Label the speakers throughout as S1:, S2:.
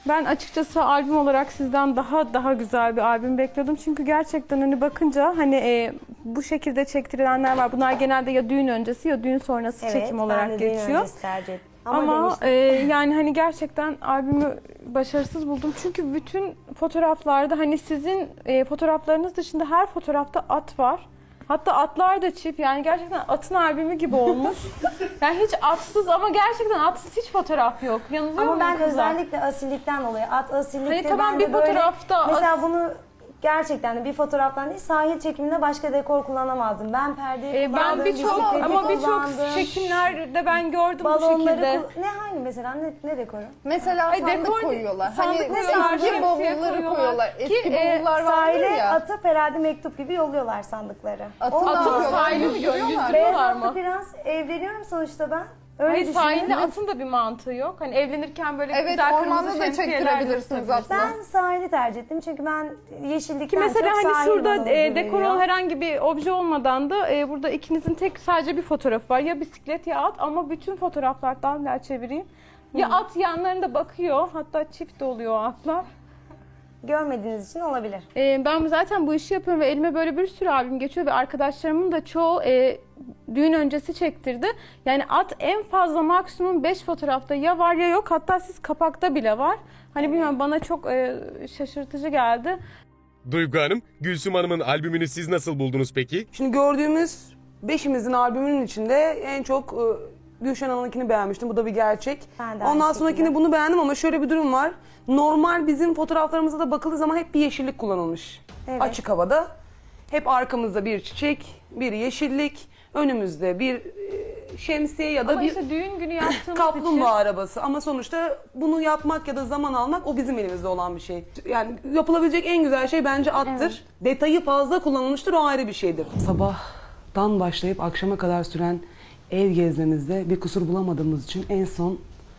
S1: Ben açıkçası albüm olarak sizden daha güzel bir albüm bekliyordum. Çünkü gerçekten hani bakınca hani bu şekilde çektirilenler var. Bunlar genelde ya düğün öncesi ya düğün sonrası çekim olarak
S2: ben de düğün
S1: geçiyor.
S2: öncesi tercih ettim.
S1: Ama yani hani gerçekten albümü başarısız buldum. Çünkü bütün fotoğraflarda hani sizin fotoğraflarınız dışında her fotoğrafta at var. Hatta atlar da çift, yani gerçekten atın albümü gibi olmuş. Yani hiç atsız, ama gerçekten atsız hiç fotoğraf yok. Yanılıyor
S2: Ama
S1: muyum
S2: ben
S1: kızlar?
S2: özellikle asillikten dolayı, at asillikte
S1: Hani tamam,
S2: ben
S1: bir
S2: de böyle,
S1: fotoğrafta
S2: mesela bunu gerçekten de bir fotoğraftan değil, sahil çekiminde başka dekor kullanamazdım. Ben perdeyi kullandım,
S1: Ben birçok
S2: kullandım.
S1: çekimlerde ben gördüm bu
S2: Balonları
S1: şekilde.
S2: ne hangi mesela ne dekoru?
S3: Mesela
S1: Ay,
S3: sandık
S1: dekor-
S3: koyuyorlar.
S1: sandık
S3: Hani
S1: koyuyorlar,
S3: eski
S1: şemsiye
S3: bavulları koyuyorlar. Eski
S1: Ki,
S3: bavullar vardır
S2: Sahile
S3: ya.
S2: atıp herhalde mektup gibi yolluyorlar sandıkları.
S3: Atın
S1: Atın
S3: Aa,
S1: sahili mi
S3: yüzdürüyorlar.
S1: yüzdürüyorlar
S2: Beyaz
S1: mı?
S2: atlı biraz evleniyorum sonuçta ben. Öyle
S1: Hayır, sahilde
S2: düşünüyorum.
S1: atın da bir mantığı yok. Hani evlenirken böyle
S3: Evet,
S1: güzel
S3: ormanda
S1: kırmızı
S3: da
S1: şemsiyeler
S3: çektirebilirsiniz
S1: gösterebilirsiniz.
S3: aslında.
S2: Ben sahili tercih ettim çünkü ben yeşillikten
S1: Ki mesela
S2: çok
S1: hani
S2: sahil
S1: şurada
S2: bana huzur
S1: dekor
S2: veriyor.
S1: olan herhangi bir obje olmadan da burada ikinizin tek sadece bir fotoğrafı var. Ya bisiklet ya at, ama bütün fotoğraflardan bir çevireyim. Ya at yanlarında bakıyor, hatta çift de oluyor o atlar.
S2: Görmediğiniz için olabilir.
S1: Ben zaten bu işi yapıyorum ve elime böyle bir sürü albüm geçiyor ve arkadaşlarımın da çoğu düğün öncesi çektirdi. Yani at en fazla maksimum 5 fotoğrafta ya var ya yok, hatta siz kapakta bile var. Hani bilmiyorum, bana çok şaşırtıcı geldi.
S4: Duygu Hanım, Gülsüm Hanım'ın albümünü siz nasıl buldunuz peki?
S5: Şimdi gördüğümüz beşimizin albümünün içinde en çok Gülşen Hanım'ınkini beğenmiştim. Bu da bir gerçek.
S2: Ben de aynı
S5: Ondan
S2: şekilde.
S5: sonrakini bunu beğendim ama şöyle bir durum var. Normal bizim fotoğraflarımıza da bakıldığı zaman hep bir yeşillik kullanılmış.
S2: Evet.
S5: Açık havada. Hep arkamızda bir çiçek, bir yeşillik, önümüzde bir şemsiye ya da
S1: Ama
S5: bir
S1: işte düğün günü yaptığımız
S5: kaplumbağa
S1: için
S5: arabası. Ama sonuçta bunu yapmak ya da zaman almak o bizim elimizde olan bir şey. Yani yapılabilecek en güzel şey bence attır. Detayı fazla kullanılmıştır, o ayrı bir şeydir. Sabahtan başlayıp akşama kadar süren ev gezmemizde bir kusur bulamadığımız için en son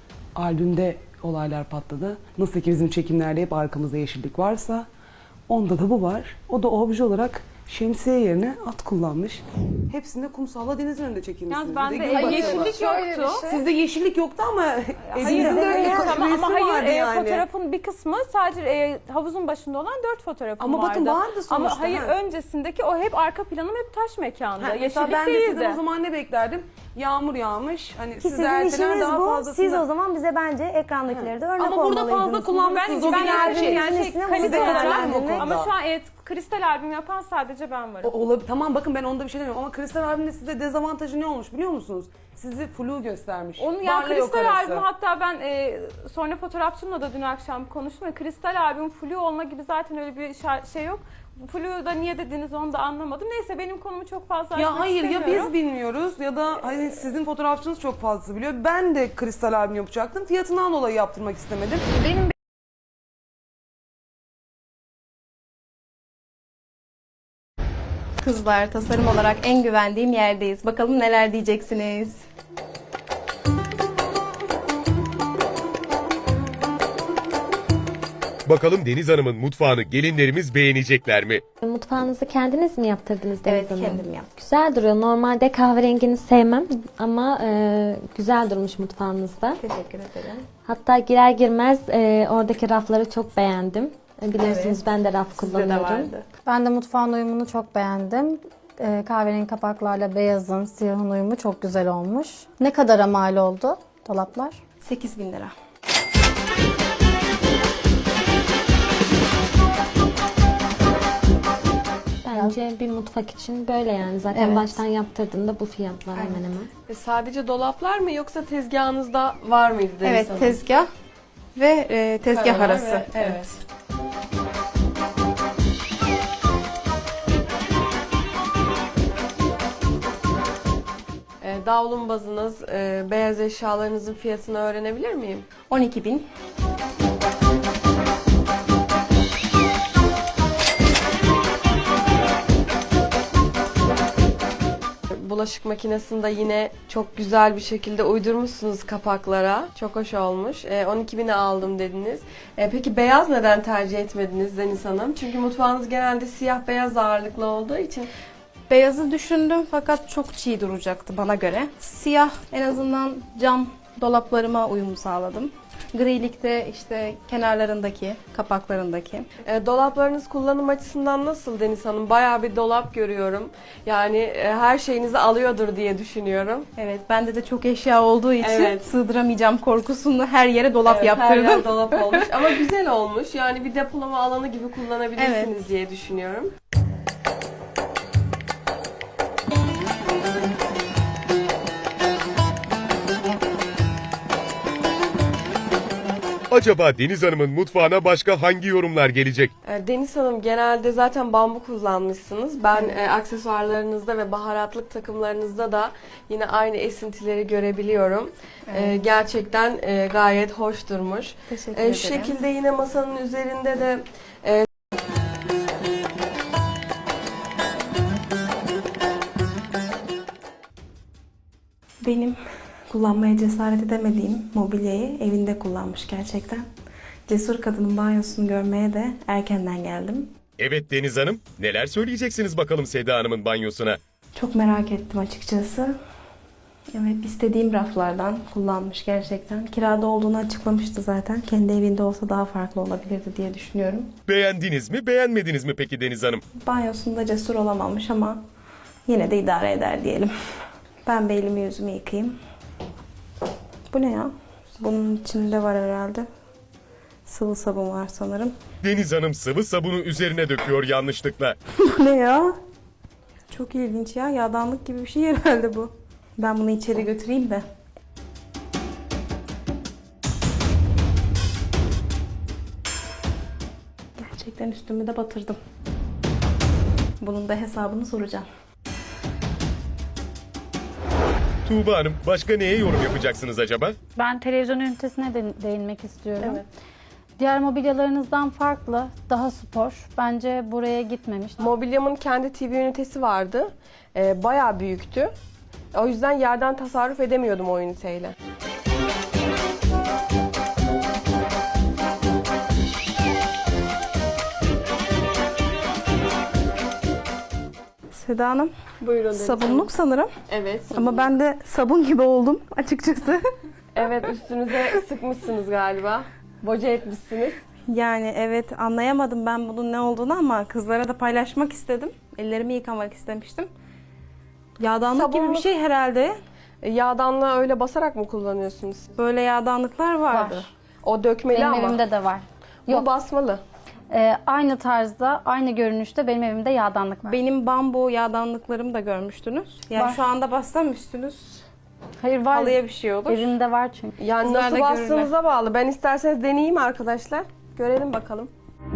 S5: albümde olaylar patladı. Nasıl ki bizim çekimlerde hep arkamızda yeşillik varsa onda da bu var. O da obje olarak şemsiye yerine at kullanmış. Hepsinde kumsalla denizin önünde çekilmişsiniz.
S1: yalnız
S5: Bir de
S1: bende
S5: gün batımı.
S1: yeşillik
S3: Şöyle bir
S1: yoktu.
S3: şey.
S5: Sizde yeşillik yoktu ama
S1: Hayır,
S5: evinizin de öyle
S1: tamam, ama hayır,
S5: vardı yani.
S1: fotoğrafın bir kısmı sadece havuzun başında olan 4 fotoğrafım
S5: Ama
S1: vardı.
S5: bakın vardı sonuçta,
S1: Ama hayır,
S5: ha.
S1: öncesindeki o hep arka planım hep taş mekanda.
S5: Mesela
S1: Yeşillik
S5: ben de
S1: değildi.
S5: sizden o zaman ne beklerdim? Yağmur yağmış. Hani
S2: Ki
S5: siz
S2: sizin
S5: ertelen
S2: işiniz
S5: daha
S2: bu.
S5: fazlasını...
S2: Siz o zaman bize bence ekrandakileri de örnek
S5: Ama burada
S2: olmalıydınız.
S5: fazla kullanmışsınız. O bir
S1: Ben
S5: gerçek.
S1: yani
S2: Üstüne
S1: kalite
S2: bunu
S1: olarak,
S5: değerlendirmek.
S1: ama şu an kristal albüm yapan sadece ben varım.
S5: Olabilir. Tamam, bakın ben onda bir şey demiyorum ama Kristal abinin de size dezavantajı ne olmuş biliyor musunuz? Sizi flu göstermiş.
S1: Onun yani
S5: Varla yok
S1: kristal
S5: arası.
S1: albümü, hatta ben sonra fotoğrafçımla da dün akşam konuştum. Kristal albüm flu olma gibi zaten öyle bir şey yok. Flu da niye dediniz onu da anlamadım. Neyse, benim konumu çok fazla açmak
S5: Ya hayır, ya
S1: istemiyorum.
S5: biz bilmiyoruz ya da hani sizin fotoğrafçınız çok fazla biliyor. Ben de Kristal albüm yapacaktım. Fiyatından dolayı yaptırmak istemedim.
S3: Benim
S6: Kızlar, tasarım olarak en güvendiğim yerdeyiz. Bakalım neler diyeceksiniz?
S4: Bakalım Deniz Hanım'ın mutfağını gelinlerimiz beğenecekler mi?
S7: Mutfağınızı kendiniz mi yaptırdınız Deniz
S6: Evet,
S7: Hanım?
S6: kendim yaptım.
S7: Güzel duruyor. Normalde kahverengini sevmem ama güzel durmuş mutfağınızda.
S6: Teşekkür ederim.
S7: Hatta girer girmez oradaki rafları çok beğendim. Biliyorsunuz ben de raf
S6: Sizde de
S7: kullanıyorum.
S6: vardı.
S8: Ben de mutfağın uyumunu çok beğendim. Kahverengi kapaklarla beyazın, siyahın uyumu çok güzel olmuş. Ne kadara mal oldu dolaplar?
S6: 8.000 lira.
S7: Bence bir mutfak için böyle yani. Zaten
S8: Evet.
S7: baştan yaptırdığında bu fiyatlar hemen hemen.
S9: Sadece dolaplar mı yoksa tezgahınızda var mıydı Deniz
S6: Evet,
S9: Hanım?
S6: tezgah ve tezgah
S9: Paralar
S6: arası.
S9: ve-
S6: Evet.
S9: Davlumbazınız, beyaz eşyalarınızın fiyatını öğrenebilir miyim?
S6: 12.000.
S9: Bulaşık makinesini de yine çok güzel bir şekilde uydurmuşsunuz kapaklara. Çok hoş olmuş. 12.000'e aldım dediniz. Peki beyaz neden tercih etmediniz Deniz Hanım? Çünkü mutfağınız genelde siyah beyaz ağırlıklı olduğu için.
S6: Beyazı düşündüm fakat çok çiğ duracaktı bana göre. Siyah en azından cam Dolaplarıma uyum sağladım. Grilikte işte kenarlarındaki, kapaklarındaki.
S9: Dolaplarınız kullanım açısından nasıl Deniz Hanım? Bayağı bir dolap görüyorum. Yani her şeyinizi alıyordur diye düşünüyorum.
S6: Evet, bende de çok eşya olduğu için
S9: Evet.
S6: sığdıramayacağım korkusunu her yere dolap
S9: Evet,
S6: yaptırdım.
S9: her yer dolap olmuş ama güzel olmuş. Yani bir depolama alanı gibi kullanabilirsiniz diye düşünüyorum.
S4: Acaba Deniz Hanım'ın mutfağına başka hangi yorumlar gelecek?
S9: Deniz Hanım genelde zaten bambu kullanmışsınız. Ben aksesuarlarınızda ve baharatlık takımlarınızda da yine aynı esintileri görebiliyorum. Gerçekten gayet hoş durmuş.
S6: Teşekkür ederim.
S9: Şu şekilde yine masanın üzerinde de
S6: Benim kullanmaya cesaret edemediğim mobilyayı evinde kullanmış gerçekten. Cesur kadının banyosunu görmeye de erkenden geldim.
S4: Evet Deniz Hanım, neler söyleyeceksiniz bakalım Seda Hanım'ın banyosuna?
S6: Çok merak ettim açıkçası. Evet, istediğim raflardan kullanmış gerçekten. Kirada olduğunu açıklamıştı zaten. Kendi evinde olsa daha farklı olabilirdi diye düşünüyorum.
S4: Beğendiniz mi, beğenmediniz mi peki Deniz Hanım?
S6: Banyosunda cesur olamamış ama yine de idare eder diyelim. Ben bir elimi yüzümü yıkayayım. Bu ne ya? Bunun içinde var herhalde. Sıvı sabun var sanırım.
S4: Deniz Hanım sıvı sabunu üzerine döküyor yanlışlıkla.
S6: Bu ne ya? Çok ilginç ya. Yağdanlık gibi bir şey herhalde bu. Ben bunu içeri götüreyim de. Gerçekten üstümü de batırdım. Bunun da hesabını soracağım.
S4: Tuğba Hanım, başka neye yorum yapacaksınız acaba?
S3: Ben televizyon ünitesine de değinmek istiyorum. Diğer mobilyalarınızdan farklı, daha spor. Bence buraya gitmemiş.
S9: mobilyamın kendi TV ünitesi vardı. Bayağı büyüktü. O yüzden yerden tasarruf edemiyordum o üniteyle.
S6: Seda Hanım,
S9: Buyurun Deniz Hanım.
S6: sabunluk sanırım.
S9: Evet.
S6: Ama ben de sabun gibi oldum açıkçası.
S9: Evet, üstünüze sıkmışsınız galiba. Boca etmişsiniz.
S6: Yani evet, anlayamadım ben bunun ne olduğunu ama kızlara da paylaşmak istedim. Ellerimi yıkamak istemiştim. Yağdanlık gibi bir
S9: Sabunluk.
S6: şey herhalde.
S9: Yağdanlığı öyle basarak mı kullanıyorsunuz?
S6: Böyle yağdanlıklar vardı.
S3: Var.
S9: O dökmeli
S3: Benim
S9: ama.
S3: evimde de var.
S9: Bu
S3: Yok,
S9: basmalı.
S3: aynı tarzda, aynı görünüşte benim evimde yağdanlık var.
S6: Benim bambu yağdanlıklarımı da görmüştünüz. Yani
S3: Var.
S6: şu anda bassam üstünüz
S3: Hayır, var.
S6: halıya bir şey olur.
S3: Evimde var çünkü.
S9: Yani
S6: Kızlar
S9: nasıl
S6: da
S9: bastığınıza bağlı. Ben isterseniz deneyeyim arkadaşlar. Görelim bakalım.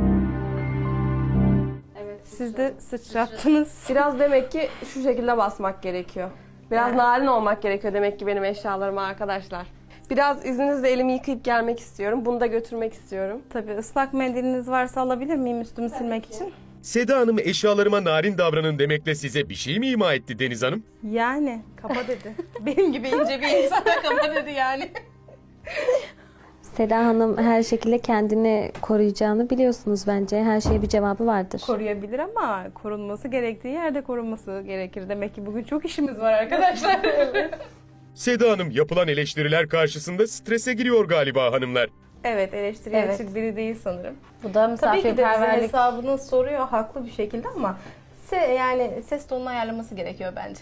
S6: Siz de sıçrattınız.
S9: Biraz demek ki şu şekilde basmak gerekiyor. Biraz narin olmak gerekiyor demek ki benim eşyalarıma arkadaşlar. Biraz izninizle elimi yıkayıp gelmek istiyorum. Bunu da götürmek istiyorum.
S6: Tabii ıslak mendiliniz varsa alabilir miyim üstümü silmek için?
S4: Seda Hanım eşyalarıma narin davranın demekle size bir şey mi ima etti Deniz Hanım?
S6: Yani kaba dedi. Benim gibi ince bir insana kaba dedi yani.
S7: Seda Hanım her şekilde kendini koruyacağını biliyorsunuz bence. Her şeye bir cevabı vardır.
S6: Koruyabilir ama korunması gerektiği yerde korunması gerekir. Demek ki bugün çok işimiz var arkadaşlar.
S4: Seda Hanım yapılan eleştiriler karşısında strese giriyor galiba hanımlar.
S6: Evet, eleştiriye
S3: Evet.
S6: açık biri değil sanırım.
S3: Bu da
S6: Tabii ki de bize
S3: misafirperverlik.
S6: hesabını soruyor haklı bir şekilde ama yani ses tonunu ayarlaması gerekiyor bence.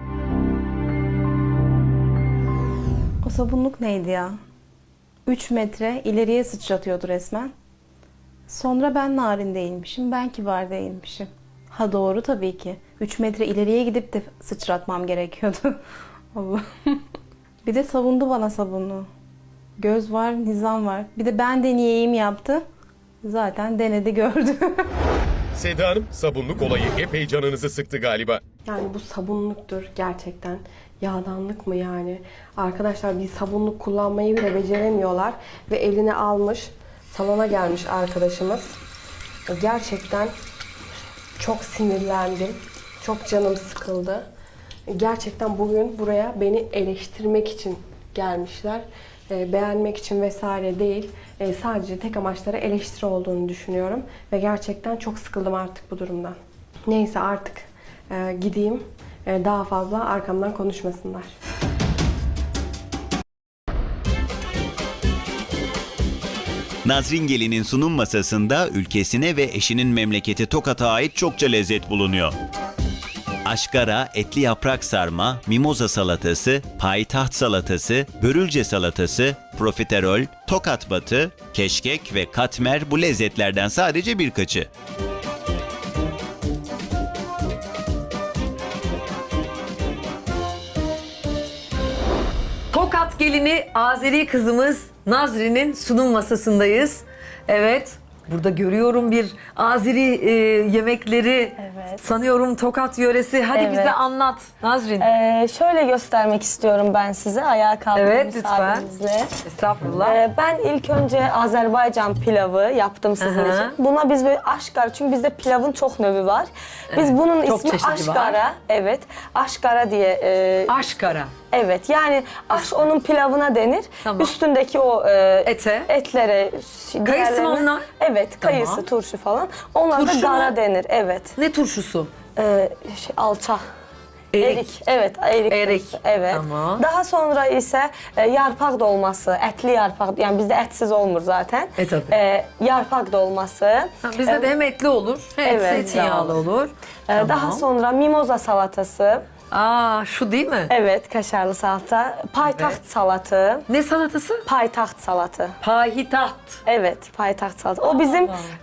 S6: O sabunluk neydi ya? 3 metre ileriye sıçratıyordu resmen. Sonra ben narin değilmişim, ben kibar değilmişim. Ha doğru tabii ki. 3 metre ileriye gidip de sıçratmam gerekiyordu. Allah. Bir de savundu bana sabunu. Göz var, nizam var. Bir de ben deneyeyim yaptı. Zaten denedi gördü.
S4: Seda Hanım sabunluk olayı epey canınızı sıktı galiba.
S9: Yani bu sabunluktur gerçekten. Yağdanlık mı yani? Arkadaşlar bir sabunluk kullanmayı bile beceremiyorlar. Ve eline almış, salona gelmiş arkadaşımız. Gerçekten çok sinirlendim. Çok canım sıkıldı. Gerçekten bugün buraya beni eleştirmek için gelmişler. Beğenmek için vesaire değil. Sadece tek amaçları eleştiri olduğunu düşünüyorum. Ve gerçekten çok sıkıldım artık bu durumdan. Neyse artık gideyim. Daha fazla arkamdan konuşmasınlar.
S10: Nazrin Gelin'in sunum masasında ülkesine ve eşinin memleketi Tokat'a ait çokça lezzet bulunuyor. Aşkara, etli yaprak sarma, mimoza salatası, payitaht salatası, börülce salatası, profiterol, tokat batı, keşkek ve katmer bu lezzetlerden sadece birkaçı.
S11: Tokat gelini Azeri kızımız Nazrin'in sunum masasındayız. Evet, burada görüyorum bir Azeri yemekleri.
S2: Evet.
S11: Sanıyorum Tokat yöresi. Hadi
S2: Evet.
S11: bize anlat Nazrin.
S2: Şöyle göstermek istiyorum ben size ayağa kaldığım
S11: Evet, lütfen.
S2: müsaadenizle.
S11: Estağfurullah.
S2: Ben ilk önce Azerbaycan pilavı yaptım sizin
S11: Aha.
S2: için. Buna biz böyle aşkara, çünkü bizde pilavın çok növü var. Biz bunun
S11: çok
S2: ismi
S11: çeşidi
S2: aşkara.
S11: var.
S2: Evet, aşkara diye.
S11: Aşkara.
S2: Evet, yani onun pilavına denir.
S11: Tamam.
S2: Üstündeki o
S11: Ete.
S2: etlere,
S11: Kayısı mı
S2: diğerlerine-
S11: onlar?
S2: Evet,
S11: Tamam.
S2: kayısı, turşu falan. Onlar
S11: Turşu
S2: da gara
S11: mu?
S2: denir. Evet.
S11: Ne turşusu?
S2: Alça.
S11: Erik.
S2: Evet, erik.
S11: Erik.
S2: turşusu, evet.
S11: Tamam.
S2: Daha sonra ise yarpak dolması, etli yarpak. Yani bizde etsiz olmur zaten.
S11: Tabii.
S2: Yarpak dolması.
S11: Ha, bizde de hem etli olur, hem
S2: Evet.
S11: zeytinyağlı olur.
S2: Daha
S11: Tamam.
S2: sonra mimoza salatası.
S11: Şu değil mi?
S2: Evet, kaşarlı salata. Paytaht salatı.
S11: Ne salatası?
S2: Paytaht salatı.
S11: Payitaht.
S2: Evet, paytaht salatı. O bizim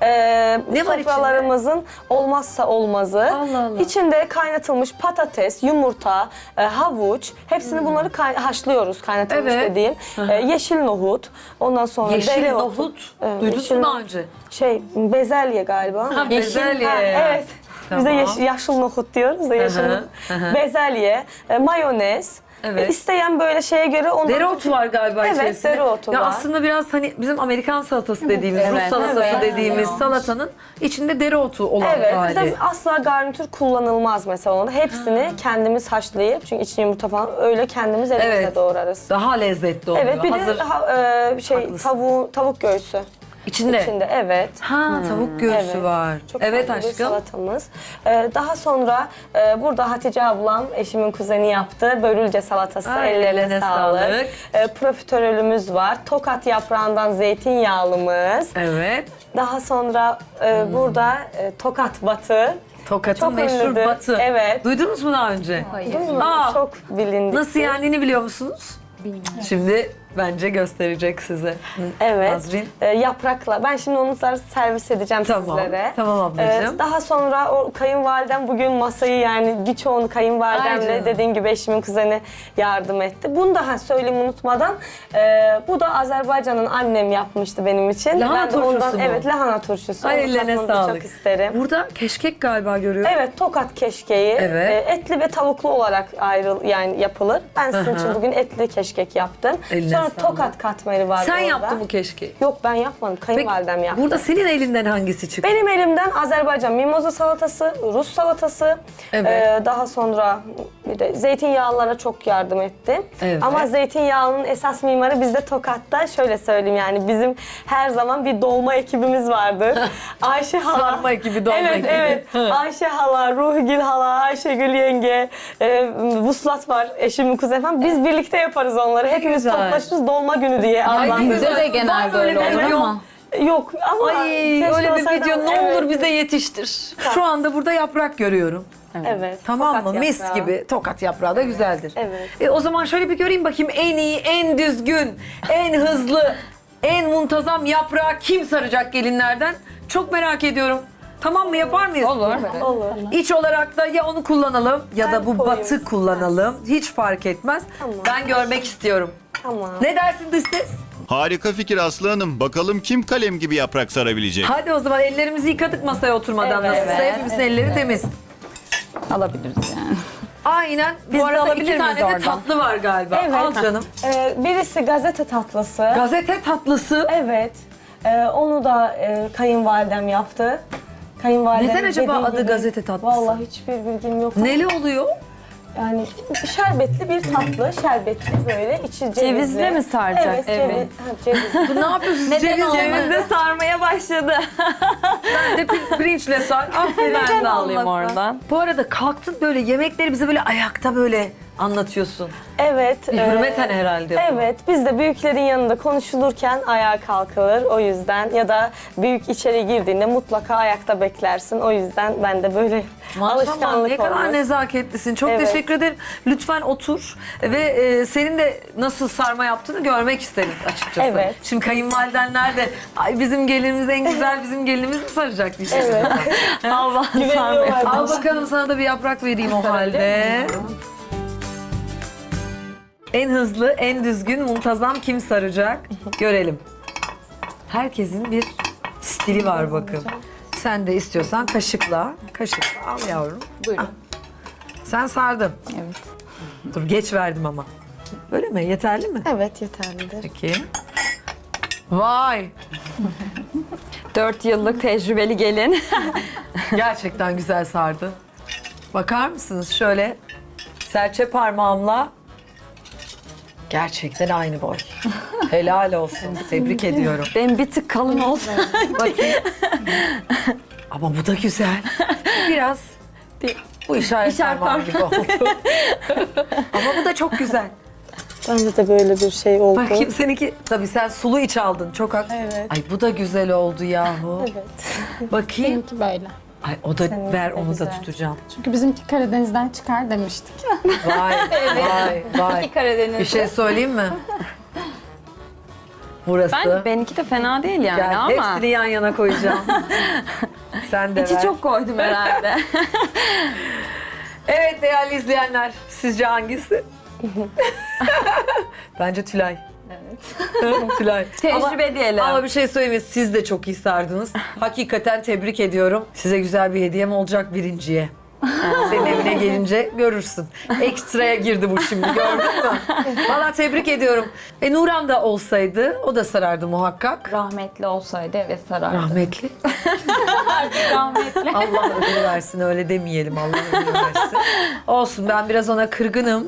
S11: Ne var
S2: sofralarımızın olmazsa olmazı.
S11: Allah Allah.
S2: İçinde kaynatılmış patates, yumurta, havuç, hepsini bunları haşlıyoruz, kaynatılmış
S11: Evet.
S2: dediğim. Yeşil nohut, ondan sonra
S11: Yeşil
S2: dereotu.
S11: nohut.
S2: Evet,
S11: Duydunuz
S2: yeşil
S11: mu daha
S2: nohut.
S11: önce?
S2: Bezelye galiba.
S11: Ha, bezelye.
S2: Evet. Biz de
S11: Tamam.
S2: yaşıl nohut diyoruz da yeşil
S11: Hı hı,
S2: nohut.
S11: hı hı.
S2: Bezelye, mayonez.
S11: Evet.
S2: İsteyen böyle şeye göre ondan...
S11: Dereotu var galiba
S2: Evet,
S11: içerisinde.
S2: dereotu
S11: ya
S2: var.
S11: aslında biraz hani bizim Amerikan salatası dediğimiz, Rus
S2: Evet,
S11: salatası
S2: evet.
S11: dediğimiz salatanın içinde dereotu olan
S2: Evet,
S11: hali.
S2: bizde asla garnitür kullanılmaz mesela onda. Hepsini kendimiz haşlayıp, çünkü içine yumurta falan öyle kendimiz elimizle
S11: Evet.
S2: doğrarız.
S11: Daha lezzetli oluyor.
S2: Evet, bir
S11: Hazır.
S2: de
S11: Haklısın.
S2: tavuk göğsü.
S11: İçinde.
S2: İçinde, evet.
S11: Tavuk göğsü
S2: Evet.
S11: var.
S2: Çok
S11: Evet
S2: farklı bir
S11: aşkım.
S2: salatamız. Daha sonra burada Hatice ablam, eşimin kuzeni yaptı. Börülce salatası.
S11: Ay,
S2: Ellerine
S11: eline
S2: sağlık.
S11: sağlık.
S2: Profiterolümüz var. Tokat yaprağından zeytinyağlımız.
S11: Evet.
S2: Daha sonra burada Tokat batı.
S11: Tokat'ın
S2: Çok
S11: meşhur
S2: ünlüdür.
S11: batı.
S2: Evet.
S11: Duydunuz mu daha önce?
S2: Değil mi?
S11: Aa,
S2: Çok bilindik.
S11: Nasıl yendiğini biliyor musunuz? Bilmiyorum. Şimdi bence gösterecek size.
S2: Evet.
S11: Nazrin.
S2: Yaprakla. Ben şimdi onu servis edeceğim
S11: Tamam.
S2: sizlere.
S11: Tamam ablacığım.
S2: Daha sonra o kayınvalidem bugün masayı, yani birçoğunu
S11: Ay
S2: kayınvalidemle,
S11: canım.
S2: dediğim gibi eşimin kuzeni yardım etti. Bunu da söyleyeyim unutmadan. Bu da Azerbaycan'ın annem yapmıştı benim için.
S11: Lahana
S2: Ben de ondan,
S11: turşusu mu?
S2: evet, lahana turşusu.
S11: Ay,
S2: Onu
S11: ellerine
S2: tatmanızı
S11: sağlık.
S2: çok isterim.
S11: Burada keşkek galiba görüyorum.
S2: Evet, Tokat keşkeği.
S11: Evet.
S2: Etli ve tavuklu olarak yani yapılır. Ben sizin için bugün etli keşkek yaptım.
S11: Eline
S2: Sonra
S11: sağlık.
S2: Tokat katmeri var
S11: Sen
S2: orada.
S11: yaptın bu keşkeği.
S2: Yok, ben yapmadım. Kayınvalidem yaptı.
S11: Burada senin elinden hangisi çıktı?
S2: Benim elimden Azerbaycan mimoza salatası, Rus salatası,
S11: Evet.
S2: daha sonra bir de zeytinyağlılara çok yardım etti.
S11: Evet.
S2: Ama zeytinyağının esas mimarı bizde Tokat'ta, şöyle söyleyeyim, yani bizim her zaman bir dolma ekibimiz vardır. Ayşe hala.
S11: Sarma ekibi, dolma
S2: evet,
S11: ekibi.
S2: Evet, Ayşe hala, Ruhgül hala, Ayşegül yenge, Vuslat var, eşimin kuzeni falan. Biz birlikte yaparız onları. Hepimiz
S11: güzel.
S2: toplaşırız dolma günü diye. Allah'ım.
S3: Bizde de genelde öyle olur ama.
S2: Yok ama
S11: Ay
S2: keşke
S11: öyle bir
S2: olsaydı
S11: video
S2: ama
S11: ne
S2: evet.
S11: olur bize yetiştir. Şu anda burada yaprak görüyorum.
S2: Evet.
S11: Tamam
S2: Tokat
S11: mı? Mis
S2: yaprağı.
S11: gibi. Tokat yaprağı da güzeldir.
S2: Evet.
S11: O zaman şöyle bir göreyim bakayım en iyi, en düzgün, en hızlı, en muntazam yaprağı kim saracak gelinlerden? Çok merak ediyorum. Tamam mı? Yapar mıyız? Olur.
S2: Olur.
S11: İç olarak da ya onu kullanalım ya da bu
S2: koyayım
S11: batı kullanalım. Hiç fark etmez.
S2: Tamam.
S11: Ben görmek istiyorum.
S2: Tamam.
S11: Ne dersin dış ses?
S10: Harika fikir Aslı Hanım. Bakalım kim kalem gibi yaprak sarabilecek?
S11: Hadi o zaman ellerimizi yıkadık masaya oturmadan
S2: Evet.
S11: nasılsa. Hepimizin elleri temiz.
S3: Alabiliriz yani.
S11: Aynen.
S9: Biz
S11: Bu
S9: de
S11: arada
S9: alabilir
S11: iki tane
S9: miyiz
S11: de
S9: oradan?
S11: tatlı var galiba.
S2: Evet.
S11: Al canım.
S2: Birisi gazete tatlısı.
S11: Gazete tatlısı.
S2: Evet. Onu da kayınvalidem yaptı. Kayınvalidem
S11: Neden acaba
S2: dediği
S11: adı
S2: gibi-
S11: gazete tatlısı?
S2: Vallahi hiçbir bilgim yok.
S11: Neli oluyor?
S2: Yani şerbetli bir tatlı, şerbetli böyle, içi cevizli.
S9: Cevizle mi saracak?
S2: Evet,
S9: Evet.
S2: cevizli.
S11: Ne yapıyorsunuz?
S3: Neden olmaz?
S9: Cevizle sarmaya başladı.
S11: Sen de pirinçle sar. Aferin.
S2: Ben de alayım oradan.
S11: Bu arada kalktın böyle yemekleri bize böyle ayakta böyle anlatıyorsun.
S2: Evet.
S11: Bir hürmeten herhalde bu.
S2: Evet, biz de büyüklerin yanında konuşulurken ayağa kalkılır o yüzden ya da büyük içeri girdiğinde mutlaka ayakta beklersin. O yüzden ben de böyle
S11: Maşallah
S2: alışkanlık
S11: ne kadar
S2: olmuş.
S11: nezaketlisin. Çok
S2: Evet.
S11: teşekkür ederim. Lütfen otur ve senin de nasıl sarma yaptığını görmek isteriz açıkçası.
S2: Evet.
S11: Şimdi kayınvalidenler de ay bizim gelinimiz en güzel bizim gelinimiz mi saracak diyecek.
S2: Evet.
S11: Allah
S2: Güveniyorlar bana.
S11: Al bakalım sana da bir yaprak vereyim o halde. En hızlı, en düzgün, muntazam kim saracak? Görelim. Herkesin bir stili var bakın. Sen de istiyorsan kaşıkla. Kaşıkla al yavrum.
S3: Buyurun.
S11: Sen sardın.
S3: Evet.
S11: Dur geç verdim ama. Öyle mi? Yeterli mi?
S9: Evet yeterlidir.
S11: Peki. Vay!
S2: 4 yıllık tecrübeli gelin.
S11: Gerçekten güzel sardı. Bakar mısınız şöyle serçe parmağımla gerçekten aynı boy. Helal olsun. Tebrik ediyorum.
S2: Benim bir tık kalın oldu.
S11: Bakayım. Ama bu da güzel. Biraz bu işaret parmağı gibi oldu. Ama bu da çok güzel.
S2: Bence de böyle bir şey oldu.
S11: Bakayım seninki. Tabii sen sulu iç aldın. Çok hak.
S2: Evet.
S11: Ay bu da güzel oldu yahu.
S2: Evet.
S11: Bakayım.
S3: Benimki böyle.
S11: Ay o da ver onu da tutacağım.
S3: Çünkü bizimki Karadeniz'den çıkar demiştik.
S11: Vay vay vay.
S3: Karadeniz'de.
S11: Bir şey söyleyeyim mi? Burası.
S2: Benimki de fena değil yani
S11: Gel,
S2: ama.
S11: hepsini yan yana koyacağım. Sen de ver.
S2: İçi çok koydum herhalde.
S11: Evet değerli izleyenler, sizce hangisi? Bence Tülay. Evet. Tülay.
S2: Tecrübe diyelim.
S11: Ama bir şey söyleyeyim mi? Siz de çok iyi sardınız. Hakikaten tebrik ediyorum. Size güzel bir hediyem olacak birinciye. Senin evine gelince görürsün. Ekstraya girdi bu şimdi gördün mü? Valla tebrik ediyorum. Nuran da olsaydı o da sarardı muhakkak.
S3: Rahmetli olsaydı evet sarardı.
S11: Rahmetli.
S3: Rahmetli.
S11: Allah ödül versin öyle demeyelim Allah ödül versin. Olsun ben biraz ona kırgınım.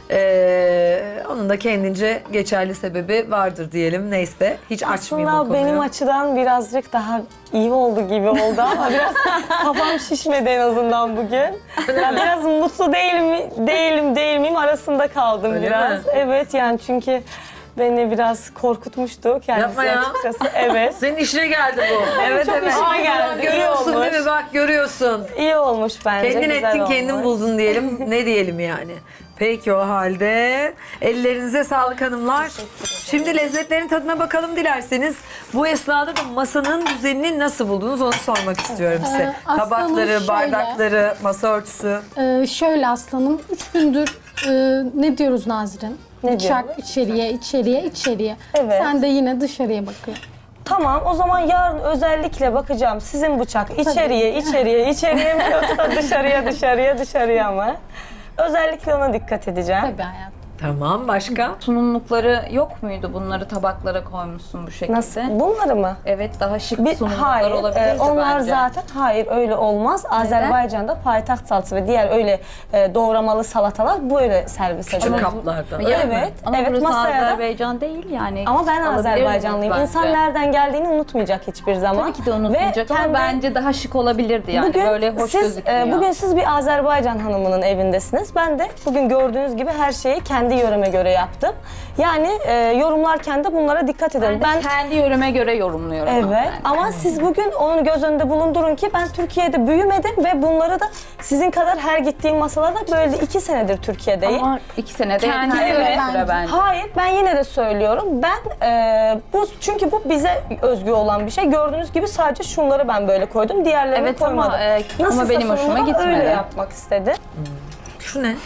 S11: Onun da kendince geçerli sebebi vardır diyelim. Neyse hiç açmayayım o
S2: Aslında
S11: konuyu.
S2: benim açıdan birazcık daha iyi oldu gibi oldu ama biraz kafam şişmedi en azından bugün. Ya biraz mutlu değil miyim arasında kaldım
S11: Öyle
S2: biraz.
S11: mi?
S2: Evet yani çünkü beni biraz korkutmuştu kendisi
S11: Yapma ya.
S2: açıkçası. Evet.
S11: Senin işine geldi bu.
S2: Evet,
S11: Çok
S2: evet.
S11: işine
S2: Ay,
S11: geldi.
S2: iyi
S11: Görüyorsun
S2: olmuş.
S11: değil mi? Bak görüyorsun.
S2: İyi olmuş bence.
S11: Kendin
S2: güzel
S11: ettin,
S2: olmuş.
S11: kendin buldun diyelim. Ne diyelim yani? Peki o halde ellerinize sağlık hanımlar. Şimdi lezzetlerin tadına bakalım dilerseniz. Bu esnada da masanın düzenini nasıl buldunuz onu sormak istiyorum size.
S3: Aslanım
S11: Tabakları,
S3: şöyle.
S11: bardakları, masa örtüsü.
S3: Şöyle aslanım 3 gündür ne diyoruz Nazirin?
S2: Ne
S3: Bıçak
S2: diyoruz?
S3: içeriye.
S2: Evet.
S3: Sen de yine dışarıya bakıyorsun.
S2: Tamam o zaman yarın özellikle bakacağım sizin bıçak içeriye mi yoksa dışarıya mı? Özellikle ona dikkat edeceğim.
S3: Tabii hayatım.
S11: Tamam başka?
S12: Sunumlukları yok muydu? Bunları tabaklara koymuşsun bu şekilde.
S2: Nasıl? Bunları mı?
S12: Evet, daha şık sunumluklar
S2: Hayır,
S12: olabilirdi
S2: onlar
S12: bence.
S2: zaten hayır öyle olmaz. Azerbaycan'da payitaht salatası ve diğer öyle doğramalı salatalar böyle servis edilir.
S11: Küçük kaplarda.
S2: Evet,
S12: Ama
S2: evet
S12: burası
S2: masaya da.
S12: Azerbaycan değil yani.
S2: Ama ben
S12: Alabilirdiniz
S2: Azerbaycanlıyım.
S12: bence.
S2: İnsan nereden geldiğini unutmayacak hiçbir zaman.
S12: Tabii ki de unutmayacak
S2: Ve
S12: ama
S2: kendi-
S12: bence daha şık olabilirdi yani.
S2: Bugün
S12: Böyle hoş
S2: siz,
S12: gözükmüyor.
S2: bugün siz bir Azerbaycan hanımının evindesiniz. Ben de bugün gördüğünüz gibi her şeyi kendi yöreme göre yaptım. Yani yorumlarken de bunlara dikkat edelim.
S12: ben kendi yöreme göre yorumluyorum.
S2: Evet ama siz bugün onu göz önünde bulundurun ki ben Türkiye'de büyümedim ve bunları da sizin kadar her gittiğim masalarda böyle 2 senedir Türkiye'deyim.
S12: Ama 2 senede
S2: Kendi
S12: yeterli
S2: evet.
S12: bir süre bence.
S2: Hayır ben yine de söylüyorum. Ben çünkü bu bize özgü olan bir şey. Gördüğünüz gibi sadece şunları ben böyle koydum. Diğerlerini
S12: Evet
S2: koymadım.
S12: ama benim hoşuma gitmedi.
S2: Öyle yapmak istedi.
S11: Şu ne?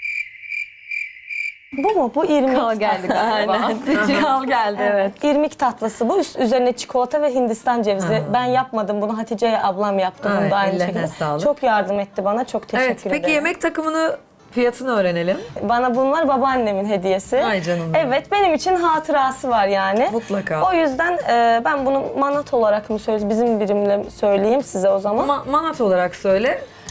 S2: Bu mu? Bu irmik.
S12: Kal geldi galiba.
S2: Kal geldi evet. İrmik tatlısı bu. Üzerine çikolata ve Hindistan cevizi. Ben yapmadım bunu. Hatice ablam yaptı bunu
S11: Ay,
S2: da aynı
S11: ellerine
S2: şekilde.
S11: sağlık.
S2: Çok yardım etti bana. Çok teşekkür
S11: Evet
S2: ederim.
S11: peki yemek takımını fiyatını öğrenelim.
S2: Bana bunlar babaannemin hediyesi.
S11: Ay canım benim.
S2: Evet benim için hatırası var yani.
S11: Mutlaka.
S2: O yüzden ben bunu manat olarak mı söyleyeyim, bizim birimle söyleyeyim size o zaman.
S11: Manat olarak söyle.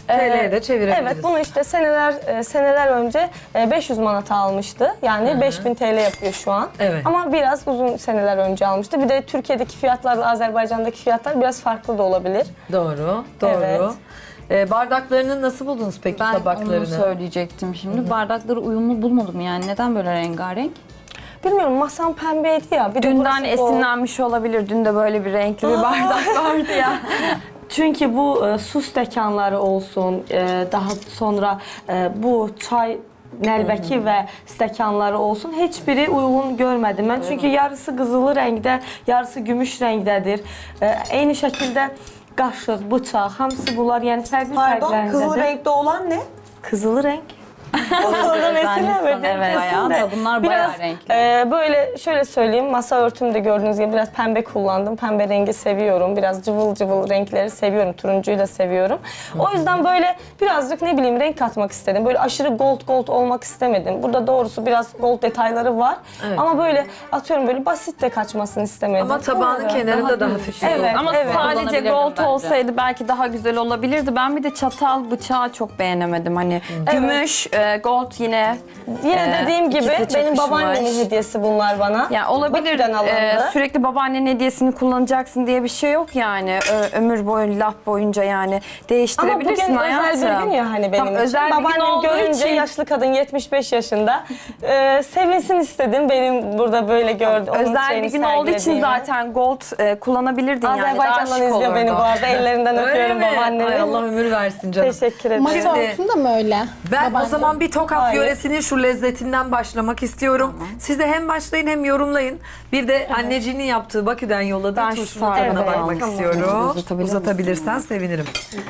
S11: TL'ye de çevirebiliriz.
S2: Evet, bunu işte seneler önce 500 manata almıştı. Yani 5000 TL yapıyor şu an.
S11: Evet.
S2: Ama biraz uzun seneler önce almıştı. Bir de Türkiye'deki fiyatlarla Azerbaycan'daki fiyatlar biraz farklı da olabilir.
S11: Doğru. Bardaklarını nasıl buldunuz peki,
S12: Ben
S11: tabaklarını?
S12: onu söyleyecektim şimdi. Bardakları uyumlu bulmadım yani. Neden böyle rengarenk?
S2: Bilmiyorum, masam pembeydi ya. Bir de
S13: Dünden
S2: burası gold.
S13: esinlenmiş olabilir. Dün de böyle bir renkli bir bardak vardı ya.
S2: Çünkü bu su stekanları olsun, daha sonra bu çay nəlbəki ve stekanları olsun, hiçbiri uygun görmedim ben. Çünkü yarısı qızılı renkte, yarısı gümüş renktedir. Eyni şəkildə qaşıq, bıçaq, hamısı bunlar yani fərqli fərqləndidir.
S5: Kızıl renkte olan ne?
S2: Kızılı renk. Oradan esinlemedim.
S12: Evet, bayağı da bunlar bayağı
S2: Biraz
S12: renkli.
S2: böyle şöyle söyleyeyim, masa örtümde gördüğünüz gibi biraz pembe kullandım. Pembe rengi seviyorum. Biraz cıvıl cıvıl renkleri seviyorum. Turuncuyu da seviyorum. O yüzden böyle birazcık ne bileyim renk katmak istedim. Böyle aşırı gold olmak istemedim. Burada doğrusu biraz gold detayları var.
S11: Evet.
S2: Ama böyle atıyorum böyle basit de kaçmasını istemedim.
S11: Ama tabağının kenarında daha hafif.
S2: Evet,
S13: Ama
S2: evet.
S13: sadece
S12: Kullanabilirdim
S13: gold
S12: bence.
S13: olsaydı belki daha güzel olabilirdi. Ben bir de çatal bıçağı çok beğenemedim. Hani gümüş, gold yine.
S2: Yine dediğim gibi
S13: ikisi
S2: benim
S13: çakışmış.
S2: babaannemin hediyesi bunlar bana.
S13: Ya olabilir.
S2: Bakü'den alındı.
S13: Sürekli babaannenin hediyesini kullanacaksın diye bir şey yok yani. Ömür boyu, laf boyunca yani.
S2: Ama
S13: Değiştirebilirsin
S2: bugün
S13: hayatım.
S2: özel bir gün ya hani benim
S13: Tam
S2: için.
S13: özel bir gün
S2: Babaannem
S13: olduğu
S2: görünce
S13: için.
S2: yaşlı kadın 75 yaşında. Sevinsin istedim benim burada böyle gördüm.
S13: Özel bir gün olduğu için zaten gold kullanabilirdin yani. Daha
S2: Azerbaycan'dan
S13: şık
S2: izliyor beni
S13: olurdu.
S2: bu arada. Ellerinden
S11: Öyle
S2: öpüyorum
S11: mi?
S2: babaannemi.
S11: Ay Allah ömür versin canım.
S2: Teşekkür ederim.
S11: Şimdi-
S8: Masa örtüm de mi öyle?
S11: Ben o zaman bir Tokat
S2: Hayır.
S11: yöresinin şu lezzetinden başlamak istiyorum. Siz de hem başlayın hem yorumlayın. Bir de anneciğinin yaptığı Bakü'den yolladığı
S13: Ben şu
S11: turşunun
S13: sarmayı
S11: tadına
S2: Evet,
S11: bakmak
S2: tamam.
S11: istiyorum.
S13: Uzatabilir
S11: Uzatabilirsen sevinirim.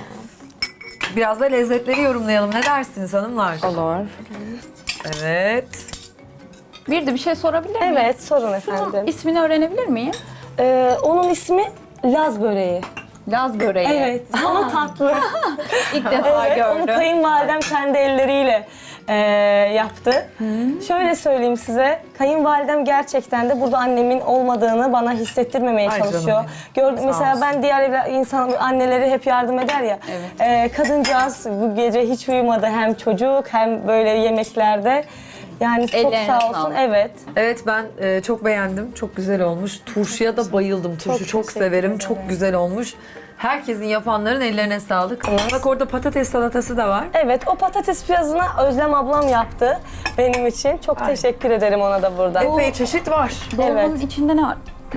S11: Biraz da lezzetleri yorumlayalım. Ne dersiniz hanımlar?
S13: Olur.
S11: Evet.
S12: Bir de bir şey sorabilir miyim?
S2: Evet sorun efendim.
S12: İsmini öğrenebilir miyim?
S2: Onun ismi Laz böreği.
S12: Laz böreği.
S2: Evet ama tatlı.
S12: İlk defa
S2: Evet, onu
S12: gördüm.
S2: kayınvalidem kendi elleriyle yaptı. Şöyle söyleyeyim size, kayınvalidem gerçekten de burada annemin olmadığını bana hissettirmemeye
S11: Ay canım
S2: çalışıyor.
S11: benim.
S2: Mesela
S11: olsun.
S2: ben diğer insan anneleri hep yardım eder ya. Kadıncağız bu gece hiç uyumadı, hem çocuk hem böyle yemeklerde. Yani çok
S12: Ellerine
S2: sağ olsun.
S12: sağlık.
S2: Evet.
S11: Evet ben çok beğendim. Çok güzel olmuş. Turşuya da bayıldım. Turşu çok
S2: teşekkür
S11: severim.
S2: ederim.
S11: Çok güzel olmuş. Herkesin yapanların ellerine sağlık. Bak orada patates salatası da var.
S2: Evet, o patates piyazını Özlem ablam yaptı benim için. Çok teşekkür ederim ona da burada.
S11: Epey çeşit var.
S12: Dolmanın
S2: Evet.
S12: içinde ne var?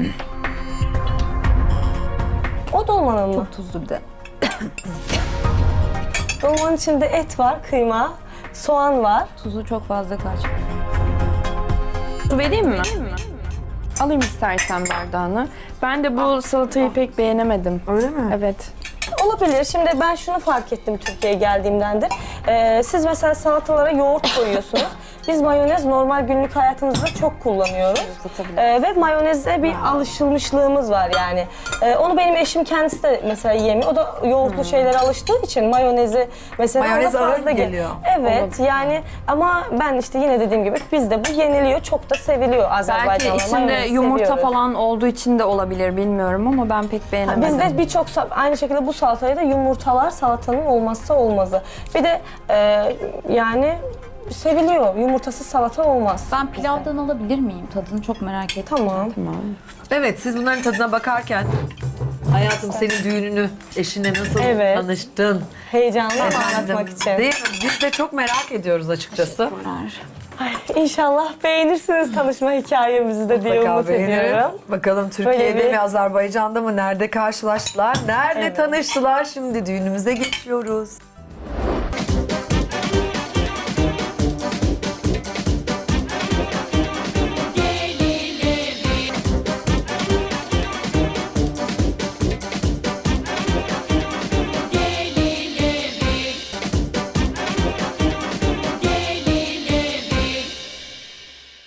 S2: O dolmanın mı?
S12: Tuzlu bir de.
S2: Dolmanın içinde et var, kıyma, soğan var.
S12: Tuzu çok fazla kaç.
S13: Su vereyim mi? Alayım istersen bardağını. Ben de bu salatayı pek beğenemedim.
S11: Öyle mi?
S13: Evet.
S2: Olabilir. Şimdi ben şunu fark ettim Türkiye'ye geldiğimdendir. Siz mesela salatalara yoğurt koyuyorsunuz. Biz mayonez normal günlük hayatımızda çok kullanıyoruz. Ve mayoneze bir alışılmışlığımız var yani. Onu benim eşim kendisi de mesela yemiyor. O da yoğurtlu şeylere alıştığı için mayonezi mesela
S11: Mayonez
S2: ona
S11: ağır
S2: fazla
S11: mı geliyor?
S2: Evet yani ama ben işte yine dediğim gibi bizde bu yeniliyor. Çok da seviliyor
S13: Belki
S2: Azerbaycan'da.
S13: içinde
S2: Mayonezi
S13: yumurta
S2: seviyoruz.
S13: falan olduğu için de olabilir bilmiyorum ama ben pek beğenemedim.
S2: Bizde birçok aynı şekilde bu salataya da yumurtalar salatanın olmazsa olmazı. Bir de yani seviliyor. Yumurtasız salata olmaz.
S12: Ben pilavdan alabilir miyim? Tadını çok merak ettim.
S2: Tamam.
S11: Evet siz bunların tadına bakarken hayatım senin düğününü eşine nasıl
S2: Evet.
S11: tanıştın?
S2: Heyecanlı
S11: Efendim,
S2: anlatmak için.
S11: Değil mi? Biz de çok merak ediyoruz açıkçası.
S2: İnşallah beğenirsiniz tanışma hikayemizi de diye
S11: Mutlaka
S2: umut
S11: beğenirim.
S2: ediyorum.
S11: Bakalım Türkiye'de
S2: Böyle bir-
S11: mi, Azerbaycan'da mı, nerede karşılaştılar, nerede tanıştılar? Şimdi düğünümüze geçiyoruz.